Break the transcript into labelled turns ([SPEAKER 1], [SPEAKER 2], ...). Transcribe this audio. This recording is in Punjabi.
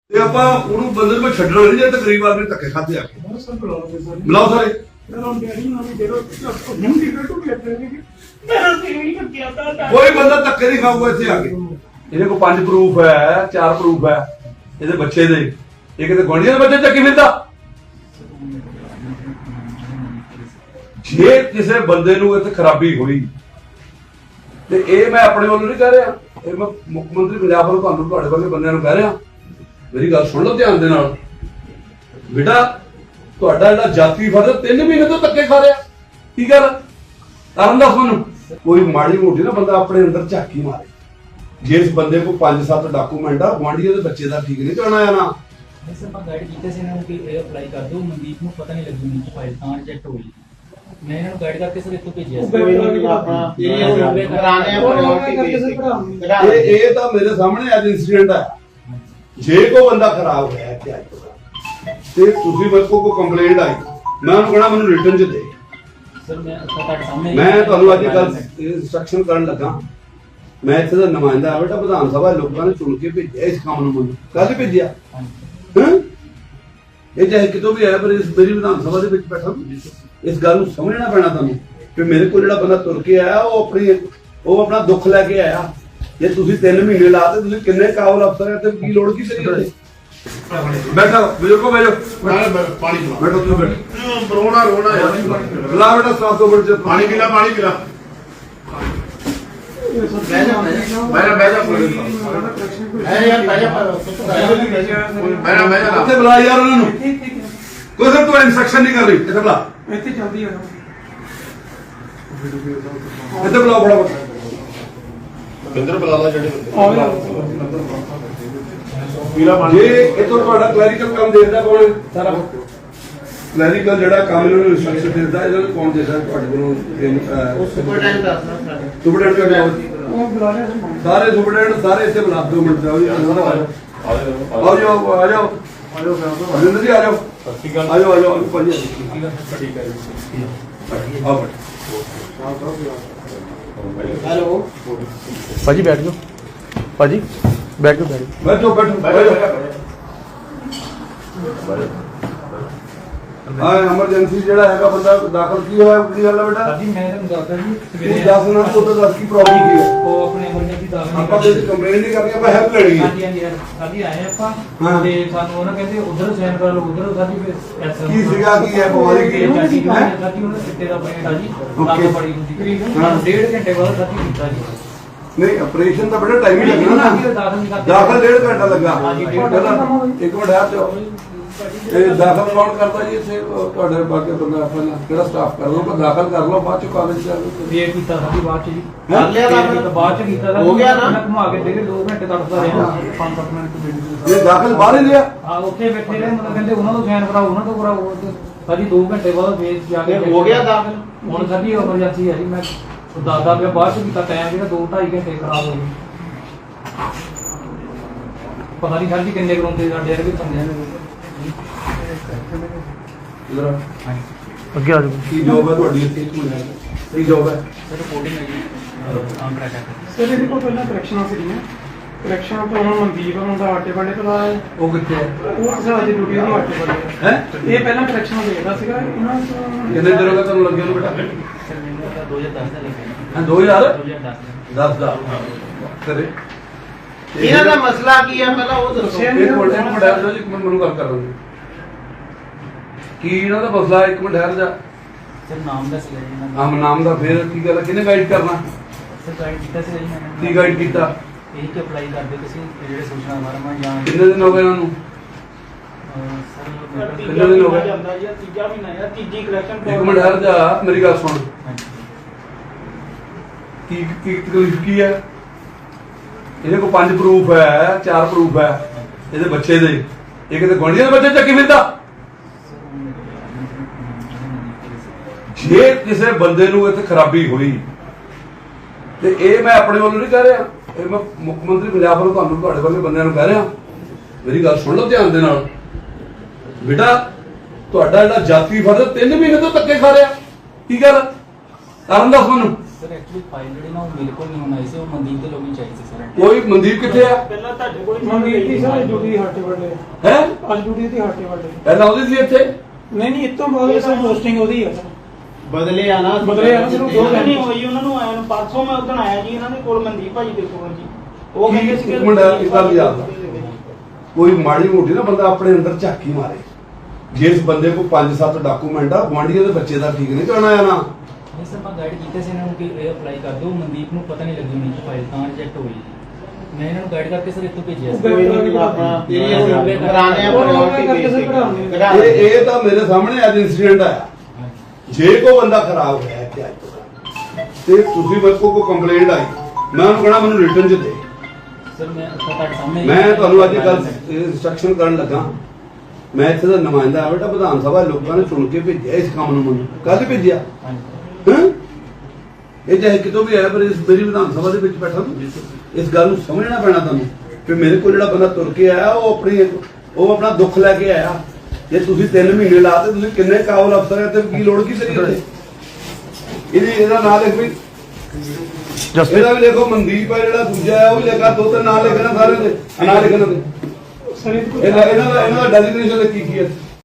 [SPEAKER 1] ਤੇ ਆਪਾਂ ਉਹਨੂੰ ਬੰਦੇ ਨੂੰ ਛੱਡਣਾ ਨਹੀਂ ਜੇ ਤਕਰੀਬ ਆਦਮੀ ਧੱਕੇ ਖਾਦੇ ਆ ਕੇ ਬੁਲਾਓ ਸਾਰੇ। ਕੋਈ ਬੰਦਾ ਧੱਕੇ ਨਹੀਂ ਖਾਊਗਾ ਇੱਥੇ ਆ ਕੇ। ਇਹਦੇ ਕੋਲ 5 ਪ੍ਰੂਫ ਹੈ, 4 ਪ੍ਰੂਫ ਹੈ ਇਹਦੇ ਬੱਚੇ ਦੇ। ਇਹ ਕਿਤੇ ਗੁਆਂਢੀਆਂ ਦੇ ਬੱਚੇ ਚੱਕੀ ਫਿਰਦਾ। ਜੇ ਕਿਸੇ ਬੰਦੇ ਨੂੰ ਇੱਥੇ ਖਰਾਬੀ ਹੋਈ ਤੇ ਇਹ ਮੈਂ ਆਪਣੇ ਵੱਲੋਂ ਨਹੀਂ ਕਹਿ ਰਿਹਾ, ਇਹ ਮੈਂ ਮੁੱਖ ਮੰਤਰੀ ਪੰਜਾਬ ਵੱਲੋਂ ਤੁਹਾਨੂੰ ਤੁਹਾਡੇ ਵਰਗੇ ਬੰਦਿਆਂ ਨੂੰ ਕਹਿ ਰਿਹਾ। ਮੇਰੀ ਗੱਲ ਸੁਣ ਲਓ ਧਿਆਨ ਦੇ ਨਾਲ। ਬੇਟਾ ਤੁਹਾਡਾ ਜਿਹੜਾ ਜਾਤੀ ਫਰਜ਼ 3 ਮਹੀਨੇ ਤੋਂ ਧੱਕੇ ਖਾ ਰਿਹਾ। ਕੀ ਗੱਲ ਕਰਨ ਦੱਸ ਮੈਨੂੰ। ਕੋਈ ਮਾੜੀ ਮੋਟੀ ਨਾ ਬੰਦਾ ਆਪਣੇ ਅੰਦਰ ਝਾਕੀ ਮਾਰੇ। ਜੇ ਇਸ ਬੰਦੇ ਕੋਲ 5-7 ਡਾਕੂਮੈਂਟ ਆ, ਗੁਆਂਢੀਆਂ ਦੇ ਬੱਚੇ ਦਾ ਠੀਕ ਨਹੀਂ ਚਾਹਣਾ ਆ ਨਾ।
[SPEAKER 2] ਸਰ ਆਪਾਂ ਗਾਈਡ ਕੀਤਾ ਸੀ ਇਹਨਾਂ ਨੂੰ ਕਿ ਇਹ ਅਪਲਾਈ ਕਰ ਦਿਓ। ਮਨਦੀਪ ਨੂੰ ਪਤਾ ਨਹੀਂ ਲੱਗੂ ਨੀ ਫਾਈਲ ਤਾਂ ਰਿਜੈਕਟ ਹੋਈ। ਮੈਂ ਇਹਨਾਂ ਨੂੰ ਗਾਈਡ ਕਰਕੇ ਸਰ ਇੱਥੋਂ ਭੇਜਿਆ ਸੀ।
[SPEAKER 1] ਇਹ ਤਾਂ ਮੇਰੇ ਸਾਹਮਣੇ ਅੱਜ ਇੰਸੀਡੈਂਟ ਹੈ। ਜੇ ਕੋਈ ਬੰਦਾ ਖਰਾਬ ਹੋਇਆ ਤੇ ਤੁਸੀਂ ਮੇਰੇ ਕੋਲ ਕੋਈ ਕੰਪਲੇਂਟ ਆਈ, ਮੈਂ ਉਹਨੂੰ ਕਹਣਾ ਮੈਨੂੰ ਰਿਟਰਨ ਚ ਦੇ।
[SPEAKER 2] ਸਰ ਮੈਂ ਤੁਹਾਡੇ ਸਾਹਮਣੇ
[SPEAKER 1] ਮੈਂ ਤੁਹਾਨੂੰ ਅੱਜ ਕੱਲ ਇੰਸਟਰਕਸ਼ਨ ਕਰਨ ਲੱਗਾ। ਮੈਂ ਇੱਥੇ ਦਾ ਨੁਮਾਇੰਦਾ ਆ ਬੇਟਾ, ਵਿਧਾਨ ਸਭਾ ਲੋਕਾਂ ਨੇ ਚੁਣ ਕੇ ਭੇਜਿਆ ਇਸ ਕੰਮ ਨੂੰ। ਮੈਨੂੰ ਕੱਲ ਭੇਜਿਆ। ਇਹ ਚਾਹੇ ਕਿਤੋਂ ਵੀ ਆਇਆ, ਪਰ ਇਸ ਮੇਰੀ ਵਿਧਾਨ ਸਭਾ ਦੇ ਵਿੱਚ ਬੈਠਾ। ਇਸ ਗੱਲ ਨੂੰ ਸਮਝਣਾ ਪੈਣਾ ਤੁਹਾਨੂੰ ਕਿ ਮੇਰੇ ਕੋਲ ਜਿਹੜਾ ਬੰਦਾ ਤੁਰ ਕੇ ਆਇਆ ਉਹ ਆਪਣਾ ਦੁੱਖ ਲੈ ਕੇ ਆਇਆ। ਜੇ ਤੁਸੀਂ 3 ਮਹੀਨੇ ਲਾਤੇ, ਤੁਸੀਂ ਕਿੰਨੇ ਕਾਬਲ ਅਫਸਰ ਹੈ ਤੇ ਕੀ ਲੋੜ ਕੀ ਤੇਰੀ ਉੱਤੇ। ਬੈਠਾ ਬਜ਼ੁਰਗੋ ਬੈਠੋ,
[SPEAKER 3] ਪਾਣੀ
[SPEAKER 1] ਬੈਠੋ ਤੁਸੀਂ ਬੈਠੋ।
[SPEAKER 3] ਰੋਣਾ ਯਾਰ,
[SPEAKER 1] ਬੁਲਾ ਬੇਟਾ ਸਟਾਫ ਤੋਂ ਬੈਠ ਜਾ।
[SPEAKER 3] ਪਾਣੀ ਪੀ ਲੈ।
[SPEAKER 1] ਬਹਿ ਜਾ ਇੱਥੇ ਬੁਲਾ ਯਾਰ ਉਹਨਾਂ ਨੂੰ। ਕੋਈ ਸਰ ਤੂੰ ਇੰਸਟਰਕਸ਼ਨ ਨਹੀਂ ਕਰ ਰਹੀ। ਇੱਥੇ ਬੁਲਾ।
[SPEAKER 4] ਇੱਥੇ ਚੱਲਦੀ ਹੈ
[SPEAKER 1] ਇੱਥੇ ਬੁਲਾਓ ਫਟਾਫਟ।
[SPEAKER 3] ਬਿੰਦਰ ਬੁਲਾ ਲਾ ਜਿਹੜੇ
[SPEAKER 1] ਜੇ ਇਥੋਂ ਤੁਹਾਡਾ ਕਲੈਰੀਕਲ ਕੰਮ ਦੇਖਦਾ ਕੌਣ ਸਾਰਾ ਕਲੈਰੀਕਲ ਜਿਹੜਾ ਕੰਮ ਇਹਨਾਂ ਨੂੰ ਇੰਸਟਰਕਸ਼ਨ ਦਿੰਦਾ, ਇਹਨਾਂ ਨੂੰ ਕੌਣ ਦੇਦਾ ਤੁਹਾਡੇ ਕੋਲੋਂ? ਸੁਪਰਡੈਂਟ
[SPEAKER 4] ਉਹ ਬੁਲਾ ਰਿਹਾ
[SPEAKER 1] ਸਾਰੇ ਸੁਪਰਡੈਂਟ ਸਾਰੇ ਇੱਥੇ ਬੁਲਾ 2 ਮਿੰਟ ਜਾਓ ਜੀ। ਆਓ ਜਾਓ ਆ ਜਾਓ ਜਿੰਦਰ ਜੀ ਆ ਜਾਓ। ਆ ਜਾਓ ਭਾਜੀ। ਠੀਕ ਹੈ ਜੀ। ਆਓ
[SPEAKER 4] ਹੈਲੋ
[SPEAKER 5] ਭਾਜੀ ਬੈਠ ਜਾਓ। ਭਾਜੀ ਬੈਠ ਜਾਓ।
[SPEAKER 1] ਬੈਠੋ ਐਮਰਜੈਂਸੀ ਜਿਹੜਾ ਹੈਗਾ ਬੰਦਾ ਦਾਖਲ ਕੀ ਹੋਇਆ, ਕੀ ਗੱਲ ਹੈ ਬੇਟਾ?
[SPEAKER 2] ਜੀ ਮੈਂ ਤੁਹਾਨੂੰ ਦੱਸਦਾ ਜੀ
[SPEAKER 1] ਤੂੰ ਦੱਸ ਨਾ, ਤੂੰ ਤਾਂ ਦੱਸ ਕੀ ਪ੍ਰੋਬਲਮ ਕੀ ਹੈ।
[SPEAKER 2] ਉਹ ਆਪਣੇ ਐਮਰਜੈਂਸੀ ਦਾਖਲ
[SPEAKER 1] ਆਪਾਂ ਤੇ ਕੰਪਲੇਂਟ ਨਹੀਂ ਕਰਨੀ, ਆਪਾਂ ਹੈਲਪ ਲੈਣੀ ਹੈ।
[SPEAKER 2] ਹਾਂਜੀ ਸਾਡੀ ਆਏ ਆਪਾਂ
[SPEAKER 1] ਹਾਂ।
[SPEAKER 2] ਤੇ ਸਾਨੂੰ ਉਹਨਾਂ ਕਹਿੰਦੇ ਉਧਰ ਸਾਈਨ ਕਰ ਲਓ, ਉਧਰ ਸਾਡੀ ਫਿਰ
[SPEAKER 1] ਕੀ ਸੀਗਾ, ਕੀ ਹੈ ਬਿਮਾਰੀ ਕੀ ਹੈ?
[SPEAKER 2] ਸਾਡੀ ਉਹਨਾਂ ਸਿੱਟੇ ਦਾ ਪੇਟ ਆ ਜੀ। ਲੱਗ ਬੜੀ ਹੁੰਦੀ। 1.5 ਘੰਟੇ ਬਾਅਦ ਸਾਡੀ ਕੀਤਾ ਜੀ।
[SPEAKER 1] ਨਹੀਂ ਆਪਰੇਸ਼ਨ ਤਾਂ ਬੜਾ ਟਾਈਮ ਹੀ ਲੱਗਣਾ ਨਾ। ਦਾਖਲ 1.5 ਘੰਟਾ ਲੱਗਾ। ਇੱਕ ਮਿੰਟ ਆ ਜਾਓ। ਇਹ ਦਾਖਲ ਕੌਣ ਕਰਦਾ ਜੀ ਇੱਥੇ? ਤੁਹਾਡੇ ਬਾਕੀ ਬੰਦਾ ਪਹਿਲਾਂ ਕਿਹੜਾ ਸਟਾਫ ਕਰ ਲਓ, ਦਾਖਲ ਕਰ ਲਓ, ਬਾਅਦ ਚ ਕਾਲਜ ਚ
[SPEAKER 2] ਵੇਟ ਕੀਤਾ ਸਾਡੀ ਬਾਅਦ ਚ ਜੀ।
[SPEAKER 1] ਕਰ ਲਿਆ
[SPEAKER 2] ਦਾਖਲ ਬਾਅਦ ਚ ਕੀਤਾ
[SPEAKER 3] ਹੋ ਗਿਆ ਨਾ।
[SPEAKER 2] ਘੁਮਾ ਕੇ ਦੇ 2 ਘੰਟੇ ਤੜਫਦਾ ਰਿਹਾ। 5-7 ਮਿੰਟ
[SPEAKER 1] ਇਹ ਦਾਖਲ ਬਾਹਰ ਹੀ ਲਿਆ।
[SPEAKER 2] ਹਾਂ ਉੱਥੇ ਬੈਠੇ ਰਹੇ। ਮਤਲਬ ਕਹਿੰਦੇ ਉਹਨਾਂ ਤੋਂ ਸਾਈਨ ਕਰਾਓ, ਉਹਨਾਂ ਤੋਂ ਕਰਾਓ। ਸਾਡੀ 2 ਘੰਟੇ ਬਾਅਦ ਫੇਰ ਜਾ ਕੇ
[SPEAKER 3] ਹੋ ਗਿਆ ਦਾਖਲ।
[SPEAKER 2] ਹੁਣ ਸਾਡੀ ਐਮਰਜੈਂਸੀ ਹੈ ਜੀ। ਮੈਂ ਦੱਸਦਾ ਪਿਆ ਬਾਅਦ ਚ ਕੀਤਾ ਟਾਈਮ ਜਿਹੜਾ 2-2.5 ਘੰਟੇ ਖਰਾਬ ਹੋ ਗਏ। ਪਤਾ ਨਹੀਂ ਸਾਡੀ ਕਿੰਨੇ ਕਰਾਉਂਦੇ ਸਾਡੇ ਵਰਗੇ ਬੰਦਿਆਂ ਨੇ।
[SPEAKER 5] ਅੱਗੇ ਆ ਜਾਓ।
[SPEAKER 1] ਕੀ ਜੋਬ ਹੈ ਤੁਹਾਡੀ ਇੱਥੇ? ਕੀ ਜੋਬ ਹੈ?
[SPEAKER 2] ਸਰ ਰਿਪੋਰਟਿੰਗ ਹੈ ਜੀ। ਕੰਟਰੈਕਟ ਹੈ
[SPEAKER 4] ਸਰ ਇਹਦੇ ਕੋਲ ਪਹਿਲਾਂ ਕਰੈਕਸ਼ਨਾਂ ਸੀਗੀਆਂ। ਕਰੈਕਸ਼ਨ ਤੋਂ ਹੁਣ ਮਨਦੀਪ ਹੁੰਦਾ ਆਟੇ ਵਾਲੇ ਤੋਂ ਆਇਆ।
[SPEAKER 1] ਉਹ ਕਿੱਥੇ ਹੈ?
[SPEAKER 4] ਉਹ ਸਰ ਅੱਜ ਡਿਊਟੀ ਨੂੰ ਆਟੇ ਵਾਲੇ
[SPEAKER 1] ਹੈ
[SPEAKER 4] ਇਹ ਪਹਿਲਾਂ ਕਰੈਕਸ਼ਨ ਦੇਖਦਾ ਸੀਗਾ ਇਹਨਾਂ ਤੋਂ।
[SPEAKER 1] ਕਿੰਨੇ ਦਿਨ ਹੋ ਗਏ ਤੁਹਾਨੂੰ ਲੱਗੇ ਨੂੰ ਬੇਟਾ?
[SPEAKER 2] ਸਰ ਮੈਨੂੰ ਤਾਂ 2010 ਦਾ ਲੱਗਿਆ।
[SPEAKER 1] ਹਾਂ 2010
[SPEAKER 2] 2010
[SPEAKER 1] ਦਾ ਕਰੇ।
[SPEAKER 3] ਇਹਨਾਂ ਦਾ ਮਸਲਾ ਕੀ ਹੈ ਪਹਿਲਾਂ ਉਹ ਦੱਸੋ।
[SPEAKER 1] ਇੱਕ ਮਿੰਟ ਠਹਿਰ ਜਾਓ ਜੀ, ਇੱਕ ਮਿੰਟ ਮੈਨੂੰ ਗੱਲ ਕਰ ਲਓ। ਕੀ ਇਹਨਾਂ ਦਾ ਮਸਲਾ? ਇੱਕ ਮਿੰਟ ਠਹਿਰ ਜਾ।
[SPEAKER 2] ਸਰ ਨਾਮ ਦਾ ਸੀਗਾ ਜੀ ਇਹਨਾਂ ਦਾ।
[SPEAKER 1] ਆਮ ਨਾਮ ਦਾ ਫੇਰ ਕੀ ਗੱਲ? ਕਿਹਨੇ ਗਾਈਡ ਕਰਨਾ?
[SPEAKER 2] ਸਰ ਗਾਈਡ ਕੀਤਾ ਸੀ ਜੀ ਮੈਂ।
[SPEAKER 1] ਕੀ ਗਾਈਡ ਕੀਤਾ?
[SPEAKER 2] ਇਹ ਕਿ ਅਪਲਾਈ ਕਰਦੇ ਤੁਸੀਂ ਜਿਹੜੇ ਸੂਚਨਾ ਵਰਮਾ ਜਾਂ
[SPEAKER 1] ਕਿੰਨੇ ਦਿਨ ਹੋ ਗਏ ਇਹਨਾਂ ਨੂੰ?
[SPEAKER 2] ਸਰ
[SPEAKER 1] ਕਿੰਨੇ ਦਿਨ ਹੋ ਗਏ?
[SPEAKER 4] ਤੀਜਾ ਮਹੀਨਾ ਜਾਂ ਤੀਜੀ ਕਰੈਕਸ਼ਨ।
[SPEAKER 1] ਇੱਕ ਮਿੰਟ ਠਹਿਰ ਜਾ, ਮੇਰੀ ਗੱਲ ਸੁਣ। ਕੀ ਤਕਲੀਫ ਕੀ ਹੈ? ਇਹਦੇ ਕੋਲ 5 ਪ੍ਰੂਫ ਹੈ, 4 ਪ੍ਰੂਫ ਹੈ ਇਹਦੇ ਬੱਚੇ ਦੇ। ਇਹ ਕਿਤੇ ਗੁਆਂਢੀਆਂ ਦੇ ਬੱਚੇ ਚੱਕੀ ਫਿਰਦਾ। ਜੇ ਕਿਸੇ ਬੰਦੇ ਨੂੰ ਇੱਥੇ ਖਰਾਬੀ ਹੋਈ ਤੇ ਇਹ ਮੈਂ ਆਪਣੇ ਵੱਲੋਂ ਨਹੀਂ ਕਹਿ ਰਿਹਾ, ਇਹ ਮੈਂ ਮੁੱਖ ਮੰਤਰੀ ਪੰਜਾਬ ਵੱਲੋਂ ਤੁਹਾਨੂੰ ਤੁਹਾਡੇ ਵਰਗੇ ਬੰਦਿਆਂ ਨੂੰ ਕਹਿ ਰਿਹਾ। ਮੇਰੀ ਗੱਲ ਸੁਣ ਲਓ ਧਿਆਨ ਦੇ ਨਾਲ। ਬੇਟਾ ਤੁਹਾਡਾ ਜਿਹੜਾ ਜਾਤੀ ਫਰਜ਼ 3 ਮਹੀਨੇ ਤੋਂ ਧੱਕੇ ਖਾ ਰਿਹਾ। ਕੀ ਗੱਲ ਕਰਨ ਦੱਸ ਮੈਨੂੰ।
[SPEAKER 6] ਸਰ ਐਕਚੁਅਲੀ ਫਾਈਲ ਜਿਹੜੀ ਨਾ ਉਹ ਮੇਰੇ ਕੋਲ ਨਹੀਂ ਹੋਣੀ ਸੀ, ਉਹ ਮਨਦੀਪ ਦੇ ਲੋਕੀ ਚਾਹੀਦੀ ਸੀ ਸਰ।
[SPEAKER 1] ਕੋਈ ਮਨਦੀਪ ਕਿੱਥੇ ਆ?
[SPEAKER 3] ਪਹਿਲਾਂ ਤੁਹਾਡੇ ਕੋਲ
[SPEAKER 4] ਮਨਦੀਪ ਦੀ ਸਰ ਡਿਊਟੀ ਹਾਟੇ ਵੱਡੇ
[SPEAKER 1] ਹੈ
[SPEAKER 4] ਅੱਜ ਡਿਊਟੀ ਦੀ ਹਾਟੇ ਵੱਡੇ
[SPEAKER 1] ਪਹਿਲਾਂ ਉਹਦੀ ਸੀ ਇੱਥੇ।
[SPEAKER 4] ਨਹੀਂ ਨਹੀਂ ਇਤੋਂ ਬਾਅਦ ਸਰ ਪੋਸਟਿੰਗ ਉਹਦੀ ਆ ਸਰ
[SPEAKER 3] ਬਦਲੇ ਆ ਨਾ
[SPEAKER 4] ਬਦਲੇ ਆ ਨਾ, ਸਿਰਫ ਦੋ
[SPEAKER 3] ਨਹੀਂ
[SPEAKER 4] ਘੰਟੇ।
[SPEAKER 3] ਹੋਈ ਉਹਨਾਂ ਨੂੰ ਆਇਆ ਨੂੰ ਪਰਸੋਂ ਮੈਂ ਉਦੋਂ ਆਇਆ ਜੀ ਇਹਨਾਂ ਦੇ ਕੋਲ ਮਨਦੀਪ ਭਾਜੀ ਦੇ ਕੋਲ ਜੀ ਉਹ ਕਹਿੰਦੇ ਸੀ
[SPEAKER 1] ਇੱਕ ਮਿੰਟ ਇੱਕ ਗੱਲ ਯਾਦ ਰੱਖ। ਕੋਈ ਮਾੜੀ ਮੋਟੀ ਨਾ ਬੰਦਾ ਆਪਣੇ ਅੰਦਰ ਝਾਕੀ ਮਾਰੇ। ਜਿਸ ਬੰਦੇ ਕੋਲ 5-7 ਡਾਕੂਮੈਂਟ ਆ, ਗੁਆਂਢੀਆਂ ਦੇ ਬੱਚੇ ਦਾ ਠੀਕ ਨਹੀਂ ਕਰਨਾ ਆ ਨਾ।
[SPEAKER 6] ਨਹੀਂ ਸਰ ਮੈਂ ਗਾਈਡ ਕੀਤਾ ਸੀ ਇਹਨਾਂ ਨੂੰ ਕਿ ਇਹ ਅਪਲਾਈ ਕਰ ਦਿਓ, ਮਨਦੀਪ ਨੂੰ ਪਤਾ ਨਹੀਂ ਲੱਗੀ ਹੋਣੀ ਕਿ ਫਾਈਲ ਤਾਂ ਰਿਜੈਕਟ ਹੋਈ। ਮੈਂ ਇਹਨਾਂ ਨੂੰ ਗਾਈਡ ਕਰਕੇ ਸਰ ਇੱਥੋਂ ਭੇਜਿਆ ਸੀ।
[SPEAKER 3] ਕੋਈ ਨਹੀਂ ਆਪਣਾ ਇਹ ਅਸੀਂ ਕਰਾਣੇ ਆ
[SPEAKER 1] ਇਹ ਤਾਂ ਮੇਰੇ ਸਾਹਮਣੇ ਅੱਜ ਇਨਸੀਡੈਂਟ ਆਇਆ। ਜੇ ਕੋ ਬੰਦਾ ਖਰਾਬ ਹੋਇਆ ਇੱਥੇ ਅੱਜ ਤੋਂ ਤੇ ਤੁਸੀਂ ਮੇਰੇ ਕੋਲ ਕੰਪਲੇਂਟ ਆਈ, ਮੈਂ ਉਹਨੂੰ ਕਹਣਾ ਮੈਨੂੰ ਰਿਟਰਨ ਚ ਦੇ।
[SPEAKER 6] ਸਰ ਮੈਂ ਤੁਹਾਡੇ ਸਾਹਮਣੇ
[SPEAKER 1] ਮੈਂ ਤੁਹਾਨੂੰ ਅੱਜ ਕੱਲ ਇੰਸਟਰਕਸ਼ਨ ਕਰਨ ਲੱਗਾ। ਮੈਂ ਇੱਥੇ ਦਾ ਨੁਮਾਇੰਦਾ ਆ ਬੇਟਾ, ਵਿਧਾਨ ਸਭਾ ਲੋਕਾਂ ਨੇ ਚੁਣ ਕੇ ਭੇਜਿਆ ਇਸ ਕੰਮ ਨੂੰ। ਮੈਨੂੰ ਕੱਲ ਭੇਜਿਆ ਹੈਂ? ਇਹ ਚਾਹੇ ਕਿਤੋਂ ਵੀ ਆਇਆ, ਪਰ ਇਸ ਮੇਰੀ ਵਿਧਾਨ ਸਭਾ ਦੇ ਵਿੱਚ ਬੈਠਾ ਤੂੰ ਇਸ ਗੱਲ ਨੂੰ ਸਮਝਣਾ ਪੈਣਾ ਤੁਹਾਨੂੰ ਕਿ ਮੇਰੇ ਕੋਲ ਜਿਹੜਾ ਬੰਦਾ ਤੁਰ ਕੇ ਆਇਆ ਉਹ ਆਪਣਾ ਦੁੱਖ ਲੈ ਕੇ ਆਇਆ। ਜੇ ਤੁਸੀਂ 3 ਮਹੀਨੇ ਲਾਤੇ, ਤੁਸੀਂ ਕਿੰਨੇ ਕਾਬਲ ਅਫਸਰ ਹੈ ਤੇ ਕੀ ਲੋੜ ਕੀ ਕਰੀ ਉੱਥੇ? ਇਹਦਾ ਨਾਂ ਲਿਖ ਵੀ, ਇਹਦਾ ਵੀ ਦੇਖੋ ਮਨਦੀਪ ਹੈ, ਜਿਹੜਾ ਦੂਜਾ ਹੈ ਉਹ ਵੀ ਲਿਖਾ, 2-3 ਨਾਂ ਲਿਖਣਾ ਸਾਰੇ ਦੇ ਨਾਂ ਲਿਖਣਾ ਦੇ।
[SPEAKER 4] ਸਰ ਇਹ
[SPEAKER 1] ਇਹਨਾਂ ਦਾ ਡੈਜ਼ਿਗਨੇਸ਼ਨ ਕੀ ਹੈ?